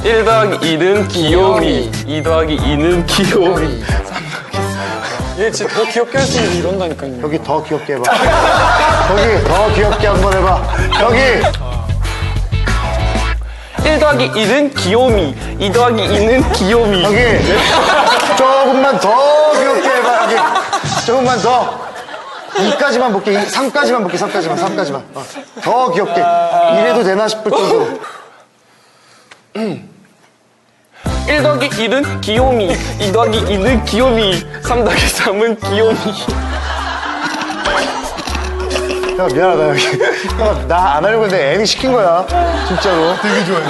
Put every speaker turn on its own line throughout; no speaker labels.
1 더하기 2는 귀요미, 2 더하기 2는 귀요미.
얘 진짜 더 귀엽게 할 수 있는 이런다니까요.
여기 더 귀엽게 해봐. 거기 더 귀엽게 한번 해봐. 여기
1 더하기 2는 귀요미, 2 더하기 2는 귀요미.
여기 조금만 더 귀엽게 해봐. 여기 조금만 더. 2까지만 볼게. 3까지만 볼게. 3까지만. 더 귀엽게. 이래도 되나 싶을 정도로.
1 더하기 2는 귀요미, 2 더하기 2는 귀요미, 3 더하기 3은 귀요미.
형 미안하다 여기. 형 나 안 하려고 했는데 애니 시킨 거야. 진짜로. 되게 좋아해.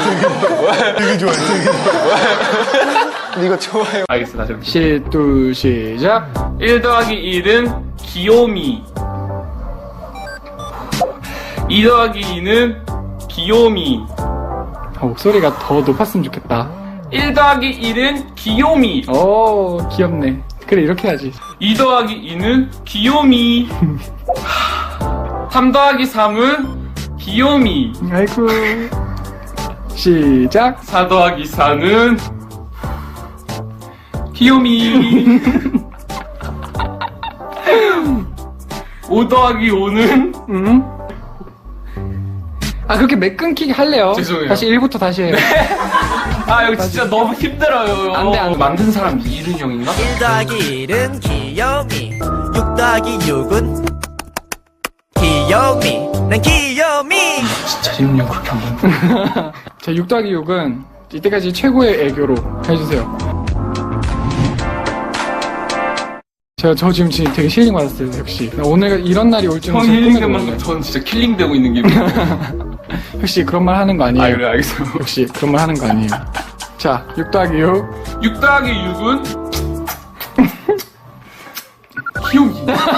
근데 이거 좋아요.
알겠어, 다시 해볼게.
둘, 시작.
1 더하기 1은 귀요미, 2 더하기 2는 귀요미,
목소리가 더 높았으면 좋겠다.
1 더하기 1은 귀요미,
오, 귀엽네. 그래, 이렇게 해야지.
2 더하기 2는 귀요미, 3 더하기 3은 귀요미,
아이고. 시작.
4 더하기 4는 귀요미, 5 더하기 5는
아, 그렇게 매 끊기게 할래요.
죄송해요.
다시 1부터 다시 해요.
아 이거 진짜 너무 힘들어요.
안 돼.
만든 사람 이른 형인가?
1 더하기 1은 귀요미 6 더하기 6은 귀요미 난 귀요미
진짜 이른 형 그렇게 한 번.
자, 6 더하기 6은 이때까지 최고의 애교로 해주세요. 저 지금 되게 힐링 받았어요, 역시. 오늘 이런 날이 올 줄은
형이
전 꿈에도
힐링된 만큼
몰라요.
전 진짜 킬링되고 있는 기분이에요.
역시 그런 말 하는 거 아니에요.
아 그래 알겠어.
역시 그런 말 하는 거 아니에요. 자, 6 더하기 6.
6 더하기 6은 귀요미.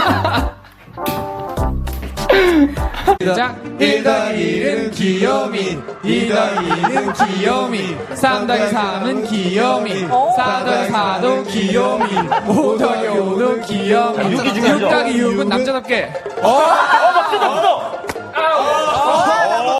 시작. 1 더하기 1은 귀요미, 2 더하기 2는 귀요미, 3 더하기 3은 귀요미, 4 더하기 4도 귀요미, 5 더하기 5도 귀요미, 6 더하기 6은 남자답게.
맞다.